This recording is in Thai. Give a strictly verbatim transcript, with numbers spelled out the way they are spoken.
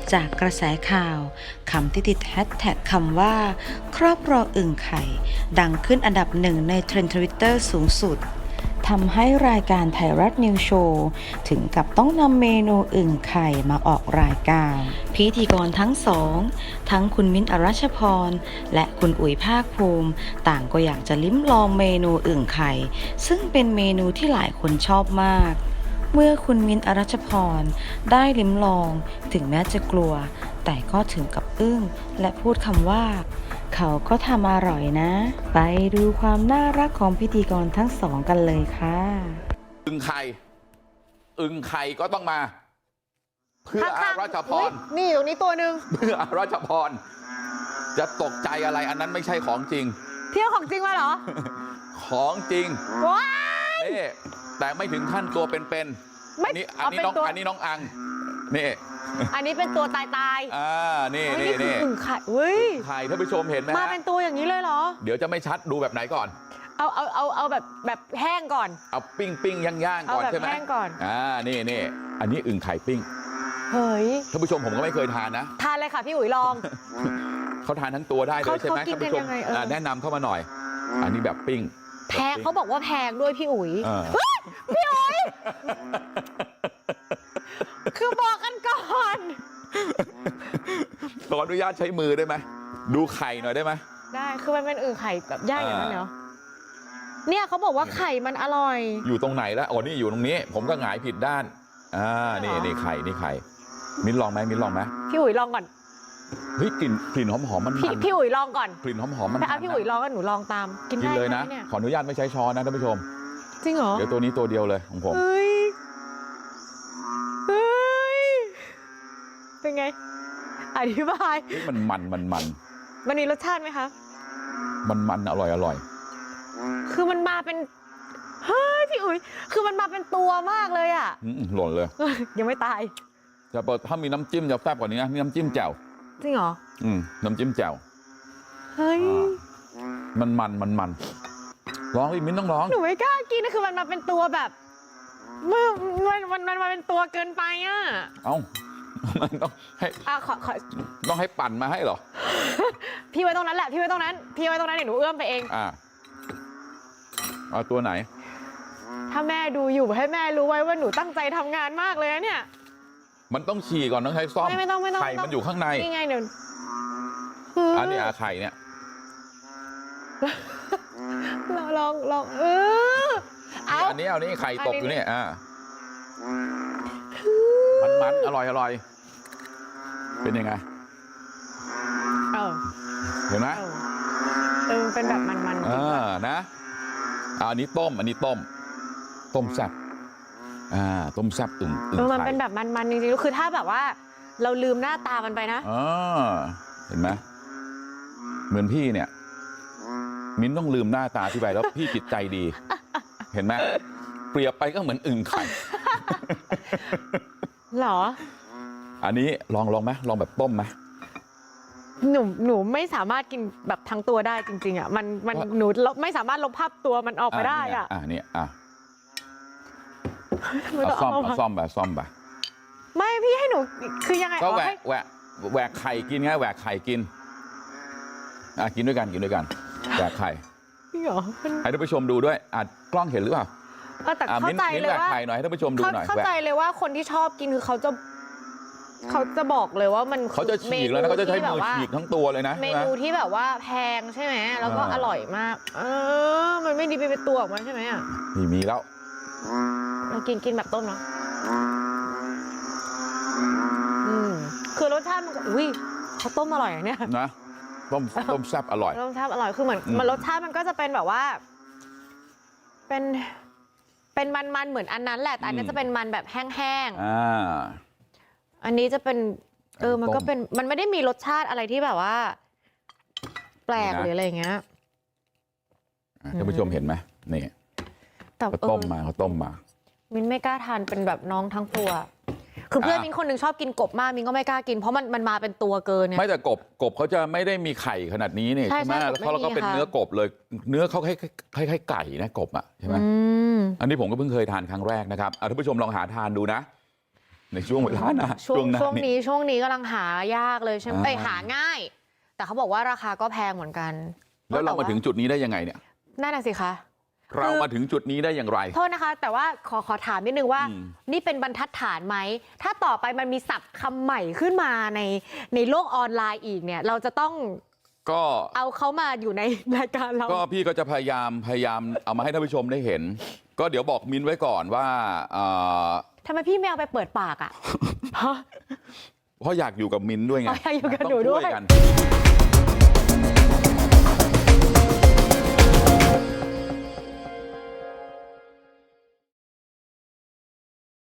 จากกระแสข่าวคำที่ติดแฮชแท็กคำว่าครอบครองอึ่งไข่ดังขึ้นอันดับหนึ่งในเทรนด์ทวิตเตอร์สูงสุดทำให้รายการไทยรัฐนิวโชว์ถึงกับต้องนำเมนูอึ่งไข่มาออกรายการพิธีกรทั้งสองทั้งคุณมิ้นท์อรัชพรและคุณอุ๋ยภาคภูมิต่างก็อยากจะลิ้มลองเมนูอึ่งไข่ซึ่งเป็นเมนูที่หลายคนชอบมากเมื่อคุณมิ้นท์อรัชพรได้ลิ้มลองถึงแม้จะกลัวแต่ก็ถึงกับอึ้งและพูดคำว่าเขาก็ทำอร่อยนะไปดูความน่ารักของพิธีกรทั้งสองกันเลยค่ะอึ่งไข่อึ่งไข่ก็ต้องมาเพื่ออารัชพรนี่ตรงนี้ตัวหนึ่งเพื่ออารัชพรจะตกใจอะไรอันนั้นไม่ใช่ของจริงเที่ยวของจริงมาเหรอของจริงว้านี่แต่ไม่ถึงขั้นตัวเป็นๆอันนี้อันนี้น้องอันนี้น้องอังนี่อันนี้เป็นตัวตายตายอ่านี่นี่นี่อึ่งไข่เฮ้ยไข่ท่านผู้ชมเห็นไหมมาเป็นตัวอย่างนี้เลยเหรอเดี๋ยวจะไม่ชัดดูแบบไหนก่อนเอาเอาเอาเอาแบบแบบแห้งก่อนเอาปิ้งปิ้งย่างย่างก่อนใช่ไหมแห้งก่อนอ่านี่นี่อันนี้อึ่งไข่ปิ้งเฮ้ยท่านผู้ชมผมก็ไม่เคยทานนะทานเลยค่ะพี่อุ๋ยลองเขาทานทั้งตัวได้เลยใช่ไหมท่านผู้ชมแนะนำเข้ามาหน่อยอันนี้แบบปิ้งแพงเขาบอกว่าแพงด้วยพี่อุ๋ยพี่อุ๋ยคือบอกกันก่อนขออนุญาตใช้มือได้ไหมดูไข่หน่อยได้ไหมได้คือมันเป็นอึ่งไข่แบบย่างอย่างนั้นเหรอเนี่ยเขาบอกว่าไข่มันอร่อยอยู่ตรงไหนแล้วอ๋อนี่อยู่ตรงนี้ผมก็หงายผิดด้านอ่านี่นี่ไข่นี่ไข่มิ้นลองไหมมิ้นลองไหมพี่อุ๋ยลองก่อนเฮ้ยกลิ่นกลิ่นหอมหอมมันพี่พี่อุ๋ยลองก่อนกลิ่นหอมหอมมันแต่พี่อุ๋ยลองก็หนูลองตามกินได้เลยนะขออนุญาตไม่ใช้ช้อนนะท่านผู้ชมจริงเหรอเดี๋ยวตัวนี้ตัวเดียวเลยของผมเฮ้ยเฮ้ยเป็นไงอธิบายมันมันมันมันมันมีรสชาติไหมคะมันมันอร่อยอร่อยคือมันมาเป็นเฮ้ยพี่อุ๋ยคือมันมาเป็นตัวมากเลยอ่ะหล่นเลยยังไม่ตายจะเปิดถ้ามีน้ำจิ้มจะแซ่บกว่านี้นะมีน้ำจิ้มแจ่วจริงเหรออืมน้ำจิ้มแจ่วเฮ้ยมันมันมันมันร้องอีกมิ้นต้องร้องหนูไม่กล้ากินนะคือมันมาเป็นตัวแบบมันมันมันมันมาเป็นตัวเกินไปอ่ะเอ้ามันต้องให้อ่ะขอขอต้องให้ปั่นมาให้เหรอพี่ไว้ตรงนั้นแหละพี่ไว้ตรงนั้นพี่ไว้ตรงนั้นเดี๋ยวหนูเอื้อมไปเองอ่าเอาตัวไหนถ้าแม่ดูอยู่ให้แม่รู้ไว้ว่าหนูตั้งใจทำงานมากเลยนะเนี่ยมันต้องฉี่ก่อนต้องใช้ซ่อมไม่ต้องไม่ต้องไข่มันอยู่ข้างในนี่ไงเดี๋ยวอันนี้อาไข่เนี่ยลองลองลองเออเอาอันนี้เอานี่ไข่ตกอยู่นี่อ่ามันมันอร่อยอร่อยเป็นยังไงเออเห็นไหมเออเป็นแบบมันๆเออนะอันนี้ต้มอันนี้ต้มต้มแซ่บอ่าต้มแซ่บอึ่งอึ่งไข่มันเป็นแบบมันๆจริงๆคือถ้าแบบว่าเราลืมหน้าตามันไปนะอ๋อเห็นไหมเหมือนพี่เนี่ยมิ้นต้องลืมหน้าตาที่ไปแล้วพี่จิตใจดีเห็นไหมเปรียบไปก็เหมือนอึ่งไข่หรออันนี้ลองลองไหมลองแบบต้มไหมหนูหนูไม่สามารถกินแบบทั้งตัวได้จริงๆอ่ะมันมันหนูไม่สามารถลบภาพตัวมันออกไปได้อ่ะอ่าเนี่ยอ่ะเอาซ่อมเอาซ่อมแบบซ่อมแบบไม่พี่ให้หนูคือยังไงก็แหวกแหวกแหวกไข่กินไงแหวกไข่กินอ่ะกินด้วยกันกินด้วยกันแหวกไข่พี่หรอให้ท่านผู้ชมดูด้วยอ่ะกล้องเห็นหรือเปล่าแต่เข้าใจเลยว่าไข่หน่อยให้ท่านผู้ชมดูหน่อยเข้าใจเลยว่าคนที่ชอบกินคือเขาจะเขาจะบอกเลยว่ามันเขาจะฉีกแล้วนะเขาจะใช้มือฉีกทั้งตัวเลยนะเมนูที่แบบว่าแพงใช่ไหมแล้วก็อร่อยมากเออมันไม่ดีไปเป็นตัวออกมาใช่ไหมอ่ะมีมีแล้วเรากินกินแบบต้มเนาะอืมคือรสชาติมันอุ้ยเขาต้มอร่อยเนี่ยนะต้มต้มแซ่บอร่อยต้มแซ่บอร่อยคือเหมือนมันรสชาติมันก็จะเป็นแบบว่าเป็นเป็นมันๆเหมือนอันนั้นแหละแต่อันนี้จะเป็นมันแบบแห้งๆอ่าอันนี้จะเป็นเออมันก็เป็นมันไม่ได้มีรสชาติอะไรที่แบบว่าแปลกหรืออะไรอย่างเงี้ยท่านผู้ชมเห็นไหมนี่เขาต้มมาเขาต้มมามินไม่กล้าทานเป็นแบบน้องทั้งตัวคือเพื่อนมินคนหนึ่งชอบกินกบมากมินก็ไม่กล้ากินเพราะมันมันมาเป็นตัวเกินเนี่ยไม่แต่กบกบเขาจะไม่ได้มีไข่ขนาดนี้นี่ใช่ไหมแล้วเขาก็เป็นเนื้อกบเลยเนื้อเขาคล้ายคล้ายไก่นะกบอ่ะใช่ไหมอันนี้ผมก็เพิ่งเคยทานครั้งแรกนะครับท่านผู้ชมลองหาทานดูนะในช่วงเวลานะช่วงหน้าช่วงนี้ช่วงนี้กำลังหายากเลยใช่ไหมอ่าเอ้ยหาง่าย แต่เขาบอกว่าราคาก็แพงเหมือนกันแล้วเรามาถึงจุดนี้ได้ยังไงเนี่ยนั่นน่ะสิคะเรามาถึงจุดนี้ได้อย่างไรโทษนะคะ แต่ว่าขอขอถามนิดนึงว่าอืมนี่เป็นบรรทัดฐานไหม ถ้าต่อไปมันมีศัพท์คำใหม่ขึ้นมาในในโลกออนไลน์อีกเนี่ย เราจะต้องก็เอาเขามาอยู่ในรายการเราก็พี่ก็จะพยายามพยายามเอามาให้ท่านผู้ชมได้เห็น ก็เดี๋ยวบอกมิ้นไว้ก่อนว่าเอ่อทำไมพี่ไม่เอาไปเปิดปากอ่ะเพราะอยากอยู่กับมิ้นด้วยไงอ๋ออยากอยู่กับต้งหนูด้วยกัน